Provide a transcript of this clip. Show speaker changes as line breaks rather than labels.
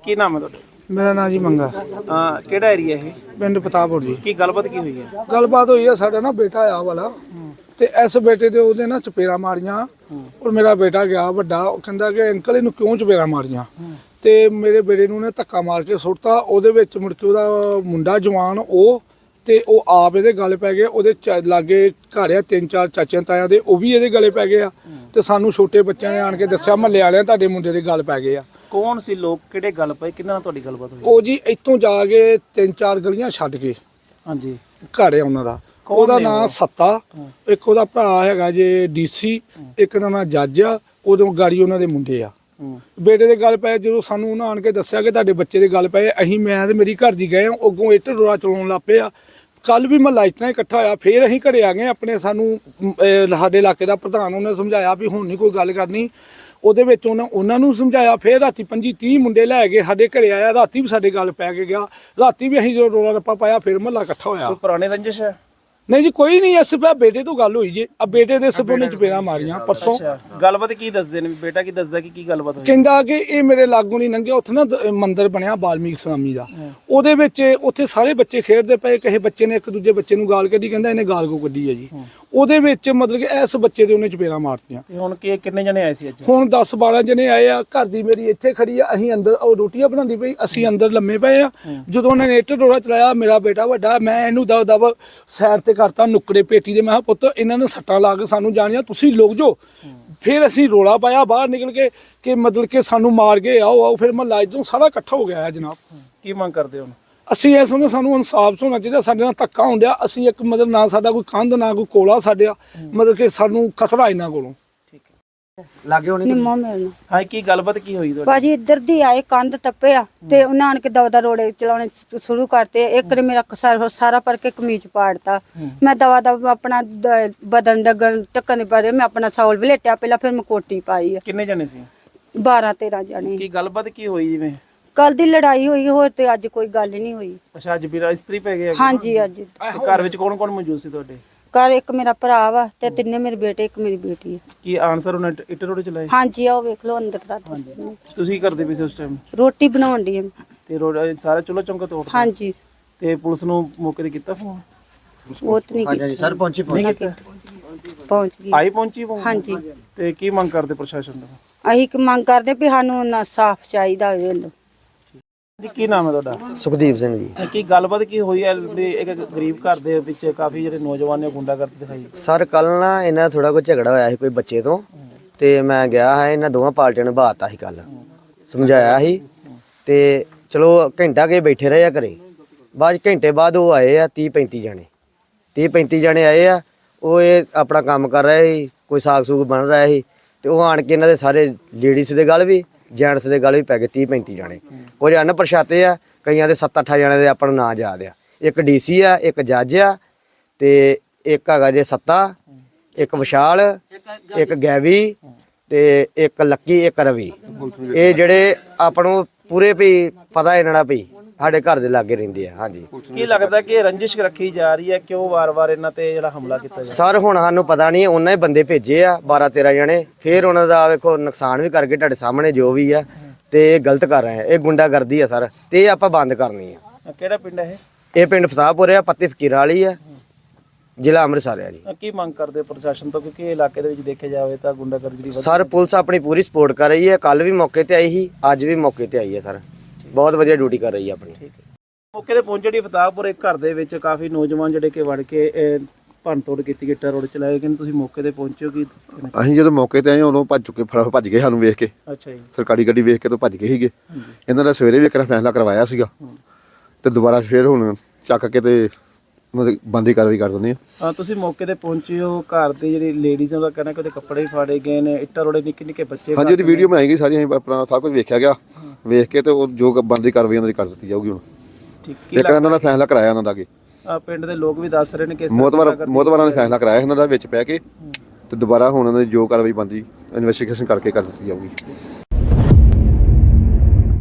ਕੀ ਨਾਮ ਹੈ ਤੁਹਾਡਾ?
ਮੇਰਾ ਨਾਂ ਜੀ ਮੰਗਾ।
ਕਿਹੜਾ ਏਰੀਆ ਇਹ?
ਪਿੰਡ ਪਤਾਪੁਰ ਜੀ।
ਕੀ ਗੱਲਬਾਤ ਕੀ ਹੋਈ ਹੈ?
ਗੱਲਬਾਤ ਹੋਈ ਆ, ਸਾਡਾ ਨਾ ਬੇਟਾ ਆ ਵਾਲਾ ਤੇ ਇਸ ਬੇਟੇ ਦੇ ਉਹਦੇ ਨਾ ਚਪੇੜਾ ਮਾਰੀਆਂ ਔਰ ਮੇਰਾ ਬੇਟਾ ਗਿਆ ਵੱਡਾ, ਉਹ ਕਹਿੰਦਾ ਕਿ ਅੰਕਲ ਇਹਨੂੰ ਕਿਉਂ ਚਪੇੜਾ ਮਾਰੀਆਂ ਤੇ ਮੇਰੇ ਬੇਟੇ ਨੂੰ ਨੇ ਧੱਕਾ ਮਾਰ ਕੇ ਸੁੱਟਤਾ। ਉਹਦੇ ਵਿੱਚ ਮੁੜ ਕੇ ਉਹਦਾ ਮੁੰਡਾ ਜਵਾਨ ਉਹ ਤੇ ਉਹ ਆਪ ਇਹਦੇ ਗਲ ਪੈ ਗਏ। ਉਹਦੇ ਲਾਗੇ ਘਰ ਆ 3-4 ਚਾਚਿਆਂ ਤਾਇਆਂ ਦੇ, ਉਹ ਵੀ ਇਹਦੇ ਗਲੇ ਪੈ ਗਏ ਆ ਤੇ ਸਾਨੂੰ ਛੋਟੇ ਬੱਚਿਆਂ ਨੇ ਆਣ ਕੇ ਦੱਸਿਆ ਮਹੱਲੇ ਵਾਲਿਆਂ ਤੁਹਾਡੇ ਮੁੰਡੇ ਦੇ ਗਲ ਪੈ ਗਏ ਆ।
ਕੌਣ ਸੀ ਲੋਕ, ਕਿਹੜੇ ਗੱਲ ਪਏ, ਕਿੰਨਾ ਨਾਲ ਤੁਹਾਡੀ ਗੱਲਬਾਤ ਹੋਈ?
ਉਹ ਜੀ ਇੱਥੋਂ ਜਾ ਕੇ 3-4 ਗਲੀਆਂ ਛੱਡ ਕੇ
ਹਾਂਜੀ
ਘਰ ਆ ਉਹਨਾਂ ਦਾ। ਉਹਦਾ ਨਾਂ ਸੱਤਾ, ਇੱਕ ਉਹਦਾ ਭਰਾ ਹੈਗਾ ਜੇ ਡੀਸੀ, ਇੱਕ ਦਾ ਨਾਂ ਜੱਜ ਆ। ਉਦੋਂ ਗਾੜੀ ਉਹਨਾਂ ਦੇ ਮੁੰਡੇ ਆ। ਬੇਟੇ ਦੇ ਗੱਲ ਪਏ, ਜਦੋਂ ਸਾਨੂੰ ਉਹਨਾਂ ਆਣ ਕੇ ਦੱਸਿਆ ਕਿ ਤੁਹਾਡੇ ਬੱਚੇ ਦੇ ਗੱਲ ਪਏ, ਅਸੀਂ ਮੈਂ ਤੇ ਮੇਰੀ ਘਰ ਦੀ ਗਏ ਆ, ਅੱਗੋਂ ਇੱਟ ਰੋੜਾ ਚਲਾਉਣ ਲੱਗ ਪਏ ਆ। ਕੱਲ ਵੀ ਮਹੱਲਾ ਇਤਨਾ ਇਕੱਠਾ ਹੋਇਆ, ਫੇਰ ਅਸੀਂ ਘਰੇ ਆ ਗਏ ਆਪਣੇ। ਸਾਨੂੰ ਸਾਡੇ ਇਲਾਕੇ ਦਾ ਪ੍ਰਧਾਨ ਉਹਨੇ ਸਮਝਾਇਆ ਵੀ ਹੁਣ ਨਹੀਂ ਕੋਈ ਗੱਲ ਕਰਨੀ। ਉਹਦੇ ਵਿੱਚ ਉਹਨਾਂ ਨੂੰ ਸਮਝਾਇਆ। ਫੇਰ ਰਾਤੀ 25-30 ਮੁੰਡੇ ਲੈ ਕੇ ਸਾਡੇ ਘਰੇ ਆਇਆ। ਰਾਤੀ ਵੀ ਸਾਡੇ ਗੱਲ ਪੈ ਕੇ ਗਿਆ। ਰਾਤੀ ਵੀ ਅਸੀਂ ਜਦੋਂ ਰੋਲਾ ਰੱਪਾ ਪਾਇਆ ਫੇਰ ਮਹੱਲਾ ਇਕੱਠਾ ਹੋਇਆ।
ਕੋਈ ਪੁਰਾਣੇ ਰੰਜਿਸ਼ ਹੈ?
ਨਹੀਂ ਜੀ ਕੋਈ ਨਹੀਂ, ਇਸ ਬੇਟੇ ਤੋਂ ਗੱਲ ਹੋਈ ਜੇ। ਆ ਬੇਟੇ ਦੇ ਸਪੋਨੇ ਚਪੇੜਾਂ ਮਾਰੀਆਂ ਪਰਸੋਂ।
ਗੱਲਬਾਤ ਕੀ ਦੱਸਦੇ ਨੇ? ਬੇਟਾ ਕੀ ਦੱਸਦਾ ਕਿ ਕੀ ਗੱਲਬਾਤ ਹੋਈ?
ਕਹਿੰਦਾ ਕਿ ਇਹ ਮੇਰੇ ਲਾਗੋਂ ਨਹੀਂ ਲੰਘਿਆ। ਉੱਥੇ ਨਾ ਮੰਦਿਰ ਬਣਿਆ ਬਾਲਮੀਕ ਸਵਾਮੀ ਦਾ, ਉਹਦੇ ਵਿੱਚ ਉੱਥੇ ਸਾਰੇ ਬੱਚੇ ਖੇਡਦੇ ਪਏ। ਕਿਸੇ ਬੱਚੇ ਨੇ ਇੱਕ ਦੂਜੇ ਬੱਚੇ ਨੂੰ ਗਾਲ ਕੱਢੀ, ਕਹਿੰਦਾ ਇਹਨੇ ਗਾਲ ਕੋ ਕੱਢੀ ਹੈ ਜੀ। ਉਹਦੇ ਵਿੱਚ ਮਤਲਬ ਕਿ ਇਸ ਬੱਚੇ ਦੇ ਉਹਨੇ ਚਪੇੜਾਂ ਮਾਰਤੀਆਂ।
ਹੁਣ ਕਿੰਨੇ ਜਣੇ ਆਏ ਸੀ ਅੱਜ?
ਹੁਣ 10-12 ਜਣੇ ਆਏ ਆ। ਘਰ ਦੀ ਮੇਰੀ ਇੱਥੇ ਖੜੀ ਆ, ਅਸੀਂ ਅੰਦਰ ਉਹ ਰੋਟੀਆਂ ਬਣਾਉਂਦੀ ਪਈ, ਅਸੀਂ ਅੰਦਰ ਲੰਮੇ ਪਏ ਆ। ਜਦੋਂ ਉਹਨਾਂ ਨੇ ਇੱਟ ਰੋੜਾ ਚਲਾਇਆ, ਮੇਰਾ ਬੇਟਾ ਵੱਡਾ, ਮੈਂ ਇਹਨੂੰ ਦਬ ਸਾਈਡ ਤੇ ਕਰਤਾ ਨੁੱਕੜੇ ਪੇਟੀ ਦੇ। ਮੈਂ ਕਿਹਾ ਪੁੱਤ ਇਹਨਾਂ ਨੇ ਸੱਟਾਂ ਲਾ ਕੇ ਸਾਨੂੰ ਜਾਣਿਆ, ਤੁਸੀਂ ਲੁਕ ਜਾਓ। ਫਿਰ ਅਸੀਂ ਰੋਲਾ ਪਾਇਆ ਬਾਹਰ ਨਿਕਲ ਕੇ ਕਿ ਮਤਲਬ ਕਿ ਸਾਨੂੰ ਮਾਰ ਗਏ, ਆਓ। ਫਿਰ ਮਹੱਲਾ ਇੱਧਰੋਂ ਸਾਰਾ ਇਕੱਠਾ ਹੋ ਗਿਆ ਹੈ ਜਨਾਬ।
ਕੀ ਮੰਗ ਕਰਦੇ ਹੋ?
ਅਸੀਂ ਇਸ ਨੂੰ ਸਾਨੂੰ ਇਨਸਾਫ ਹੋਣਾ ਚਾਹੀਦਾ। ਸਾਡੇ ਨਾਲ ਧੱਕਾ ਹੁੰਦਿਆ। ਅਸੀਂ ਇੱਕ ਮਤਲਬ ਨਾ ਸਾਡਾ ਕੋਈ ਕੰਧ ਨਾ ਕੋਈ ਕੋਲਾ ਸਾਡਿਆ, ਮਤਲਬ ਕਿ ਸਾਨੂੰ ਖਤਰਾ ਇਹਨਾਂ ਕੋਲੋਂ।
ਲਾਗੇ ਹੋਣੀ
ਨਿੰਮੋ ਮਿਲਣਾ।
ਹਾਂ, ਕੀ ਗੱਲਬਾਤ ਕੀ ਹੋਈ ਤੁਹਾਡੀ?
ਭਾਜੀ ਇੱਧਰ ਦੀ ਆਏ, ਕੰਧ ਟੱਪਿਆ ਤੇ ਉਹਨਾਂ ਆਣ ਕੇ ਦਵਾ ਰੋੜੇ ਚਲਾਉਣੇ ਸ਼ੁਰੂ ਕਰਤੇ। ਇੱਕ ਨੇ ਮੇਰਾ ਸਾਰਾ ਪਰ ਕੇ ਕਮੀਜ਼ ਪਾੜਤਾ। ਮੈਂ ਦਵਾ ਆਪਣਾ ਬਦਨ ਡਗਣ ਟੱਕਣ ਪਰੇ ਮੈਂ ਆਪਣਾ ਸੌਲ ਵਲੇਟਿਆ ਪਹਿਲਾਂ, ਫਿਰ ਮੈਂ ਕੋਟੀ ਪਾਈ ਆ।
ਕਿੰਨੇ ਜਣੇ ਸੀ?
12-13 ਜਣੇ।
ਕੀ ਗੱਲਬਾਤ ਕੀ ਹੋਈ? ਜਿਵੇਂ
ਕੱਲ ਦੀ ਲੜਾਈ ਹੋਈ, ਹੋਰ ਤੇ ਅੱਜ ਕੋਈ ਗੱਲ ਨਹੀਂ ਹੋਈ।
ਅੱਛਾ, ਅੱਜ ਵੀਰਾ ਇਸਤਰੀ ਪੈ ਗਏ?
ਹਾਂਜੀ ਅੱਜ।
ਤੇ ਘਰ ਵਿੱਚ ਕੌਣ ਕੌਣ ਮੌਜੂਦ ਸੀ ਤੁਹਾਡੇ?
ਘਰ ਇੱਕ ਮੇਰਾ ਭਰਾ ਵਾ ਤੇ ਤਿੰਨੇ ਮੇਰੇ ਬੇਟੇ, ਇੱਕ ਮੇਰੀ ਬੇਟੀ ਹੈ।
ਕੀ ਆਨਸਰ ਉਹਨੇ ਇੱਟ ਰੋੜੇ ਚਲਾਏ?
ਹਾਂਜੀ ਆਓ ਵੇਖ ਲਓ ਅੰਦਰ ਦਾ।
ਤੁਸੀਂ ਕੀ ਕਰਦੇ ਪਏ ਸੀ ਉਸ ਟਾਈਮ?
ਰੋਟੀ ਬਣਾਉਣ ਦੀ।
ਤੇ ਰੋੜਾ ਸਾਰਾ ਚੁੱਲ੍ਹਾ ਚੌਂਕਾ ਤੋੜਤਾ?
ਹਾਂਜੀ।
ਤੇ ਪੁਲਿਸ ਨੂੰ ਮੌਕੇ ਤੇ ਕੀਤਾ ਫੋਨ?
ਉਹ ਤੇ ਨਹੀਂ
ਹਾਂਜੀ ਸਰ, ਪਹੁੰਚੀ
ਪਹੁੰਚ ਗਈ।
ਆਈ ਪਹੁੰਚੀ phone?
ਹਾਂਜੀ।
ਤੇ ਕੀ ਮੰਗ ਕਰਦੇ ਪ੍ਰਸ਼ਾਸਨ ਤੋਂ?
ਅਸੀਂ ਮੰਗ ਕਰਦੇ ਵੀ ਸਾਨੂੰ ਇਨਸਾਫ ਚਾਹੀਦਾ ਹੋਵੇ।
ਜੀ ਕੀ ਨਾਮ ਹੈ ਤੁਹਾਡਾ?
ਸੁਖਦੀਪ ਸਿੰਘ ਜੀ।
ਕੀ ਗੱਲਬਾਤ ਕੀ ਹੋਈ ਹੈ? ਇੱਕ ਗਰੀਬ ਘਰ ਦੇ ਵਿੱਚ ਕਾਫੀ ਜਿਹੜੇ ਨੌਜਵਾਨ ਨੇ ਗੁੰਡਾਗਰਦੀ ਦਿਖਾਈ।
ਸਰ ਕੱਲ ਨਾ ਇਹਨਾਂ ਥੋੜਾ ਕੋਈ ਝਗੜਾ ਹੋਇਆ ਸੀ ਕੋਈ ਬੱਚੇ ਤੋਂ, ਤੇ ਮੈਂ ਗਿਆ ਹੈ, ਇਹਨਾਂ ਦੋਵਾਂ ਪਾਰਟੀਆਂ ਨੂੰ ਬਾਤਾ ਸੀ। ਕੱਲ ਸਮਝਾਇਆ ਸੀ ਤੇ ਚਲੋ ਘੰਟਾ ਕੇ ਬੈਠੇ ਰਹੇ ਆ ਘਰੇ। ਬਾਅਦ ਘੰਟੇ ਬਾਅਦ ਉਹ ਆਏ ਆ 30-35 ਜਣੇ। 30-35 ਜਣੇ ਆਏ ਆ। ਉਹ ਇਹ ਆਪਣਾ ਕੰਮ ਕਰ ਰਹੇ ਸੀ, ਕੋਈ ਸਾਗ ਸੂਗ ਬਣ ਰਿਹਾ ਸੀ, ਤੇ ਉਹ ਆਣ ਕੇ ਇਹਨਾਂ ਦੇ ਸਾਰੇ ਲੇਡੀਜ਼ ਦੇ ਗੱਲ ਵੀ ਜੈਂਟਸ ਦੇ ਗੱਲ ਵੀ ਪੈ ਗਏ। 30-35 ਜਣੇ। ਕੁਝ ਅਣਪਛਾਤੇ ਆ, ਕਈਆਂ ਦੇ 7-8 ਜਣੇ ਦੇ ਆਪਾਂ ਨੂੰ ਨਾਂ ਯਾਦ ਆ। ਇੱਕ ਡੀਸੀ ਆ, ਇੱਕ ਜੱਜ ਆ, ਤੇ ਇੱਕ ਹੈਗਾ ਜੇ ਸੱਤਾ, ਇੱਕ ਵਿਸ਼ਾਲ, ਇੱਕ ਗੈਵੀ, ਤੇ ਇੱਕ ਲੱਕੀ, ਇੱਕ ਰਵੀ। ਇਹ ਜਿਹੜੇ ਆਪਾਂ ਨੂੰ ਪੂਰੇ ਵੀ ਪਤਾ ਇਹਨਾਂ ਦਾ ਵੀ ਸਾਡੇ ਘਰ ਦੇ ਲਾਗੇ ਰਹਿੰਦੇ ਆ। ਹਾਂਜੀ।
ਕੀ ਲੱਗਦਾ ਕਿ ਰੰਜਿਸ਼ ਰੱਖੀ ਜਾ ਰਹੀ ਹੈ? ਕਿਉਂ ਵਾਰ-ਵਾਰ ਇਹਨਾਂ ਤੇ ਜਿਹੜਾ ਹਮਲਾ ਕੀਤਾ ਜਾ?
ਸਰ ਹੁਣ ਸਾਨੂੰ ਪਤਾ ਨਹੀਂ, ਉਹਨਾਂ ਹੀ ਬੰਦੇ ਭੇਜੇ ਆ 12-13 ਜਣੇ। ਫਿਰ ਉਹਨਾਂ ਦਾ ਵੇਖੋ ਨੁਕਸਾਨ ਵੀ ਕਰਕੇ ਤੁਹਾਡੇ ਸਾਹਮਣੇ ਜੋ ਵੀ ਆ, ਤੇ ਇਹ ਗਲਤ ਕਰ ਰਹੇ ਆ। ਇਹ ਗੁੰਡਾਗਰਦੀ ਆ ਸਰ, ਤੇ ਇਹ ਆਪਾਂ ਬੰਦ ਕਰਨੀ ਆ।
ਕਿਹੜਾ ਪਿੰਡ ਹੈ
ਇਹ ਪਿੰਡ ਫਸਾਪੁਰ ਆ, ਪੱਤੀ ਫਕੀਰਾਂ ਵਾਲੀ ਆ, ਜ਼ਿਲ੍ਹਾ ਅੰਮ੍ਰਿਤਸਰ ਆ ਜੀ।
ਕੀ ਮੰਗ ਕਰਦੇ ਪ੍ਰਸ਼ਾਸਨ ਤੋਂ? ਕਿਉਂਕਿ ਇਹ ਇਲਾਕੇ ਦੇ ਵਿੱਚ ਦੇਖਿਆ ਜਾਵੇ ਤਾਂ ਗੁੰਡਾਗਰਦੀ ਦੀ
ਸਰ ਪੁਲਿਸ ਆਪਣੀ ਪੂਰੀ ਸਪੋਰਟ ਕਰ ਰਹੀ ਹੈ। ਕੱਲ ਵੀ ਮੌਕੇ ਤੇ ਆਈ ਸੀ, ਅੱਜ ਵੀ ਮੌਕੇ ਤੇ ਆਈ ਹੈ ਸਰ। ਬਹੁਤ ਵਧੀਆ ਡਿਊਟੀ ਕਰ ਰਹੀ ਹੈ ਆਪਣੀ।
ਮੌਕੇ ਤੇ ਪਹੁੰਚੇ ਜਿਹੜੀ ਫਤਾਹਪੁਰ ਇੱਕ ਘਰ ਦੇ ਵਿੱਚ ਕਾਫੀ ਨੌਜਵਾਨ ਜਿਹੜੇ ਕਿ ਵੜ ਕੇ ਭੰਨ ਤੋੜ ਕੀਤੀ, ਗਿੱਟਾ ਰੋਡ ਚਲਾਏ ਗਏ। ਤੁਸੀਂ ਮੌਕੇ ਤੇ ਪਹੁੰਚੇ ਹੋ? ਕੀ
ਅਸੀਂ ਜਦੋਂ ਮੌਕੇ ਤੇ ਆਏ ਉਦੋਂ ਭੱਜ ਚੁੱਕੇ, ਭੱਜ ਗਏ ਸਾਨੂੰ ਵੇਖ ਕੇ।
ਅੱਛਾ ਜੀ।
ਸਰਕਾਰੀ ਗੱਡੀ ਵੇਖ ਕੇ ਤੋਂ ਭੱਜ ਗਏ ਸੀਗੇ। ਇਹਨਾਂ ਦਾ ਸਵੇਰੇ ਵੀ ਇੱਕ ਫੈਸਲਾ ਕਰਵਾਇਆ ਸੀਗਾ, ਤੇ ਦੁਬਾਰਾ ਫੇਰ ਹੁਣ ਚੱਕ ਕੇ ਤੇ ਮਤਲਬ ਬੰਦੀ ਕਾਰਵਾਈ ਕਰ ਦਿੰਦੇ ਆ।
ਤੁਸੀਂ ਮੌਕੇ ਤੇ ਪਹੁੰਚੇ ਹੋ, ਘਰ ਦੇ ਜਿਹੜੀ ਲੇਡੀਜ਼ ਦਾ ਕਹਿਣਾ ਕਿ ਉਹਦੇ ਕੱਪੜੇ ਵੀ ਫਾੜੇ ਗਏ ਨੇ, ਇੱਟਾਂ ਰੋੜੇ ਨਿੱਕੇ ਬੱਚੇ।
ਹਾਂਜੀ, ਉਹਦੀ ਵੀਡੀਓ ਬਣਾਈ ਗਈ ਸਾਰੀ, ਅਸੀਂ ਆਪਣਾ ਸਭ ਕੁਝ ਵੇਖਿਆ ਗਿਆ। ਵੇਖ ਕੇ ਤੇ ਉਹ ਜੋ ਬੰਦੀ ਕਾਰਵਾਈ ਉਹਨਾਂ ਦੀ ਕਰ ਦਿੱਤੀ ਜਾਊਗੀ। ਹੁਣ ਇੱਕ ਇਹਨਾਂ ਦਾ ਫੈਸਲਾ ਕਰਾਇਆ ਉਹਨਾਂ ਦਾ ਅੱਗੇ।
ਪਿੰਡ ਦੇ ਲੋਕ ਵੀ ਦੱਸ ਰਹੇ ਨੇ ਕਿ
ਮੋਤਵਾਰਾਂ ਨੇ ਫੈਸਲਾ ਕਰਾਇਆ ਇਹਨਾਂ ਦਾ ਵਿੱਚ ਪੈ ਕੇ, ਤੇ ਦੁਬਾਰਾ ਹੁਣ ਉਹਨਾਂ ਦੀ ਜੋ ਕਾਰਵਾਈ ਬਣਦੀ ਇਨਵੈਸਟੀਗੇਸ਼ਨ ਕਰਕੇ ਕਰ ਦਿੱਤੀ ਜਾਊਗੀ।